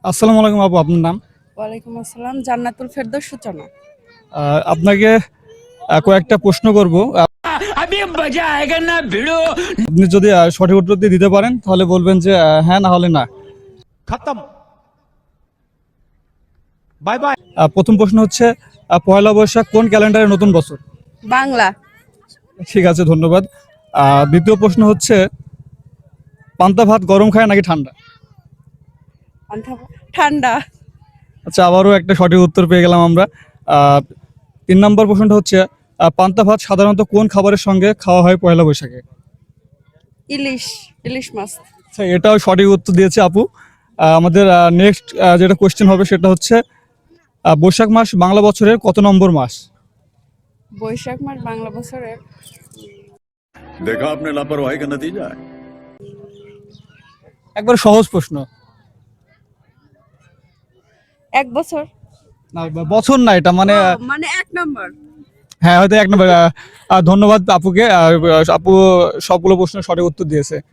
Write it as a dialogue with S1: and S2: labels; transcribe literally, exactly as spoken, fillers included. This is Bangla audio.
S1: আসসালামু আলাইকুম আপু, আপনার নাম?
S2: ওয়ালাইকুম আসসালাম, জান্নাতুল ফেরদৌস সূচনা।
S1: আহ, আপনাকে আহ, কয়েকটা প্রশ্ন করব। আহ, আপনি যদি আহ, সঠিক উত্তর দিয়ে দিতে পারেন তাহলে বলবেন যে আহ, হ্যাঁ, না হলে না।
S3: खत्म बाय बाय।
S1: আহ, প্রথম প্রশ্ন হচ্ছে আহ, পয়লা বৈশাখ কোন ক্যালেন্ডারের নতুন বছর?
S2: বাংলা।
S1: ঠিক আছে, ধন্যবাদ। আহ, দ্বিতীয় প্রশ্ন হচ্ছে পান্তা ভাত গরম খায় নাকি ঠান্ডা?
S2: পান্থা- ঠান্ডা।
S1: আচ্ছা, আবারও একটা সঠিক উত্তর পেয়ে গেলাম আমরা। আহ, তিন নম্বর প্রশ্নটা হচ্ছে আহ, পান্তা ভাত সাধারণত কোন খাবারের সঙ্গে খাওয়া হয় পয়লা বৈশাখে?
S2: ইলিশ, ইলিশ মাছ।
S1: আচ্ছা, এটাও সঠিক উত্তর দিয়েছে আপু। আহ, আমাদের নেক্সট যেটা কোশ্চেন হবে সেটা হচ্ছে আহ, বৈশাখ মাস বাংলা বছরের কত নম্বর মাস?
S2: বৈশাখ মাস বাংলা বছরের
S4: देखा आपने लापरवाही का नतीजा है।
S1: একবার সহজ প্রশ্ন।
S2: এক বছর।
S1: না, বছর না, এটা মানে
S2: ও, মানে এক নম্বর।
S1: হ্যাঁ, হয়তো এক নম্বর। আহ, আহ, ধন্যবাদ আপুকে। আহ, আপু সবগুলো প্রশ্নের সঠিক উত্তর দিয়েছে।